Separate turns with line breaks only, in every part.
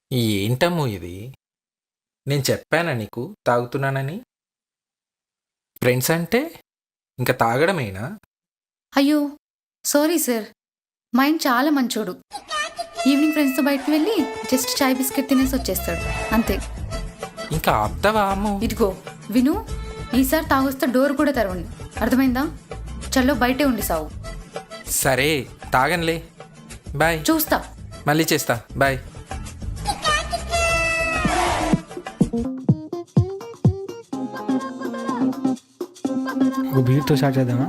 ఏంటమ్మో ఇది? నేను చెప్పానా నీకు తాగుతున్నానని? ఫ్రెండ్స్ అంటే ఇంక తాగడమేనా?
అయ్యో సారీ సార్, మా ఆయన చాలా మంచోడు. ఈవినింగ్ ఫ్రెండ్స్తో బయటకు వెళ్ళి జస్ట్ చాయ్ బిస్కెట్ తినేసి వచ్చేస్తాడు, అంతే.
ఇంకా ఆపుతావా అమ్మో?
ఇదిగో విను, ఈసారి తాగొస్తే డోర్ కూడా తెరవండి, అర్థమైందా? చల్లో బయటే ఉండి సావు.
సరే తాగనులే, బాయ్.
చూస్తా.
మళ్ళీ చేస్తా, బాయ్.
ఒక బీర్తో స్టార్ట్ చేద్దామా?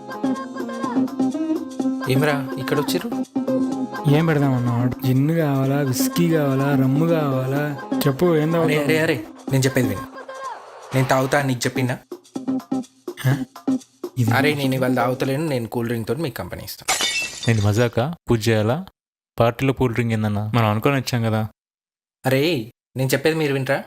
ఏమరా ఇక్కడ వచ్చిర్రు?
ఏం పెడదామన్నా? జిన్ కావాలా, విస్కీ కావాలా, రమ్ము కావాలా? చెప్పు ఏం
అరే
కావాలి?
అరే అరే నేను చెప్పేది విను. నేను తాగుతా అని నీకు చెప్పిందా?
ఇది
అరే నేను ఇవాళ తాగుతలేను, నేను కూల్ డ్రింక్ తోటి మీకు కంపెనీ ఇస్తాను.
నేను మజాక పూజ చేయాలా? పార్టీలో కూల్ డ్రింక్ ఏందన్నా? మనం అనుకొని వచ్చాం కదా.
అరే నేను చెప్పేది మీరు వింటరా?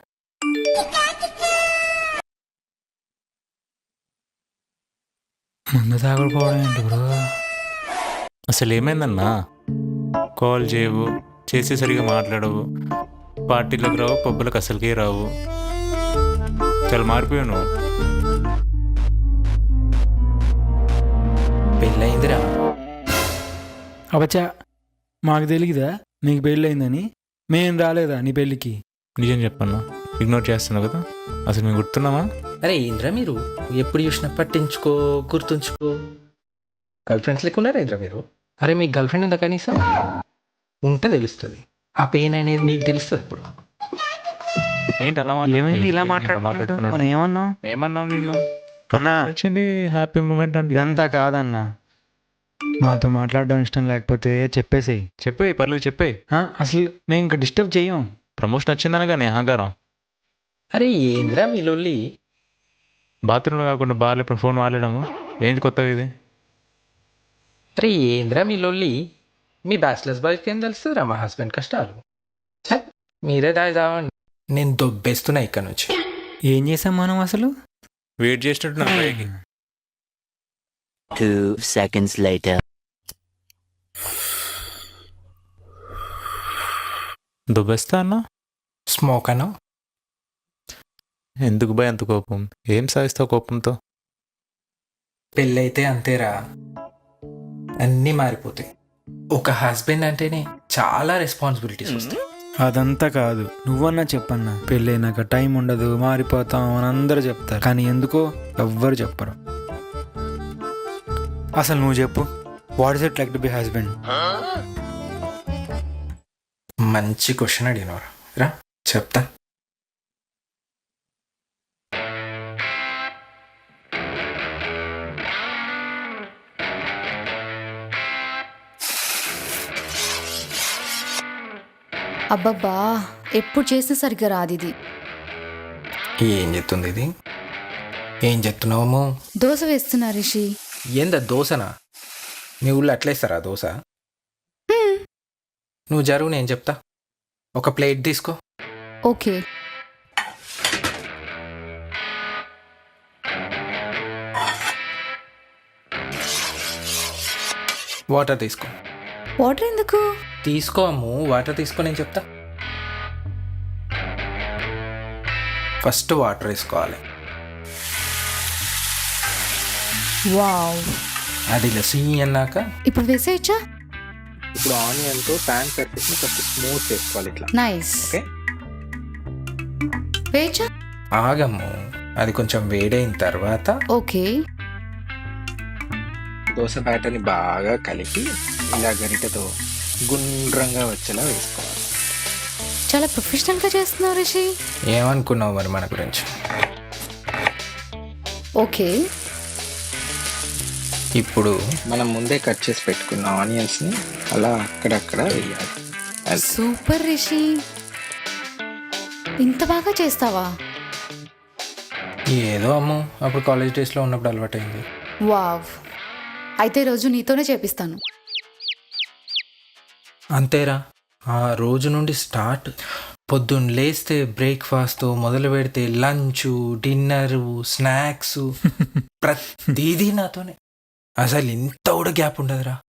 ముందు తాగకపోవడం ఏంటి బ్రో?
అసలు ఏమైందన్నా? కాల్ చేయవు, చేసి సరిగా మాట్లాడవు, పార్టీలకు రావు, పబ్బులకు అసలుకే రావు. చాలా మారిపోయావు నువ్వు.
పెళ్ళయిందిరా.
అవచ్చా, మాకు తెలియదా నీకు పెళ్ళయిందని? మేం రాలేదా నీ పెళ్ళికి?
నిజం చెప్పన్నా, ఇగ్నోర్ చేస్తున్నావు కదా. అసలు మేము గుర్తున్నామా?
అరే ఏంద్రా మీరు ఎప్పుడు చూసినా పట్టించుకో, గుర్తుంచుకో. గర్ల్ ఫ్రెండ్స్ లెక్క ఉన్నారా ఏంద్రా మీరు? అరే మీకు గర్ల్ ఫ్రెండ్ ఉందా కనీసం? ఉంటే తెలుస్తుంది, ఆ పెయిన్ అనేది నీకు తెలుస్తుంది ఇప్పుడు.
ఏంటి అలా
ఏమైంది ఇలా మాట్లాడుతున్నావు? మనం ఏమన్నాం?
ఏమన్నావు నేను?
అన్నా
వచ్చింది హ్యాపీ మూమెంట్ అంటే.
ఇదంతా కాదన్నా, మాతో మాట్లాడడం ఇష్టం లేకపోతే చెప్పేసేయి.
చెప్పేయి, పర్లేదు చెప్పేయి.
అసలు మేము ఇంకా డిస్టర్బ్ చేయం.
ప్రమోషన్ వచ్చిందనగానే అహంకారం.
అరే ఏంద్రా మీ లొల్లి?
బాత్రూంలో కాకుండా బార్లు ఇప్పుడు ఫోన్ వాడలేడము ఏంటి కొత్తగా ఇది?
అరే ఏంద్రా మీ లొల్లి? మీ బ్యాచిలర్స్ బాయ్కి ఏం తెలుస్తుందిరా మా హస్బెండ్ కష్టాలు? ఛ, మీరే దావండి, నేను దొబ్బేస్తున్నా ఇక్కడ నుంచి.
ఏం చేసాం మనం అసలు?
వెయిట్ చేసినట్టు
2 seconds later.
దుబ్బేస్తా అన్నా?
స్మోక్ అను.
ఎందుకు భయ అంత కోపం? ఏం సాధిస్తావు కోపంతో?
పెళ్ళైతే అంతేరా, అన్నీ మారిపోతాయి. ఒక హస్బెండ్ అంటేనే చాలా రెస్పాన్సిబిలిటీస్ వస్తాయి.
అదంతా కాదు, నువ్వన్నా చెప్పన్నా. పెళ్ళైనాక టైం ఉండదు, మారిపోతాం అని అందరూ చెప్తారు, కానీ ఎందుకో ఎవ్వరు చెప్పరు. అసలు నువ్వు చెప్పు, what is it like to be husband?
మంచి క్వశ్చన్ అడిగినవరా, రా చెప్తా.
అబ్బబ్బా, ఎప్పుడు చేసినా సరిగ్గా రాదు ఇది.
ఏం చెప్తుంది ఇది? ఏం చెప్తున్నావు?
దోశ వేస్తున్నా రిషి.
ఏందా దోశనా? మీ ఊళ్ళో అట్లేస్తారా దోశ? నువ్వు జరుగు, నేను చెప్తా. ఒక ప్లేట్ తీసుకో.
ఓకే.
వాటర్ తీసుకో.
వాటర్ ఎందుకు?
తీసుకో అమ్ము, వాటర్ తీసుకో, నేను చెప్తా. ఫస్ట్ వాటర్ వేసుకోవాలి.
వావ్.
అది లసి అన్నాక
ఇప్పుడు వేసేయచ్చా?
ఇప్పుడు ఆనియన్తో ప్యాన్ సర్ఫేస్ని ఫస్ట్ స్మూత్ చేసుకోవాలి ఇట్లా.
నైస్.
ఓకే,
వేయచ్చా?
ఆగమ్ము, అది కొంచెం వేడైన తర్వాత
ఓకే.
దోశ బ్యాటర్ని బాగా కలిపి ఇలా గరిటెతో గుండ్రంగా వచ్చేలా వేసుకోవాలి.
చాలా ప్రొఫెషనల్గా చేస్తున్నావు రిషి.
ఏమనుకున్నావు మరి మన గురించి?
ఓకే.
ఇప్పుడు మనం ముందే కట్ చేసి పెట్టుకున్న ఆనియన్స్ని అలా అక్కడక్కడ వేయాలి.
సూపర్ రిషి, ఇంత బాగా చేస్తావా?
ఏదో అమ్ము, అప్పుడు కాలేజ్ డేస్లో ఉన్నప్పుడు అలవాటైంది.
వావ్, అయితే ఈరోజు నీతోనే చేపిస్తాను.
అంతేరా, ఆ రోజు నుండి స్టార్ట్. పొద్దున్న లేస్తే బ్రేక్ఫాస్ట్తో మొదలు పెడితే లంచ్, డిన్నరు, స్నాక్స్ ప్రతిదీ నాతోనే. అసలు ఇంత కూడా గ్యాప్ ఉండదురా.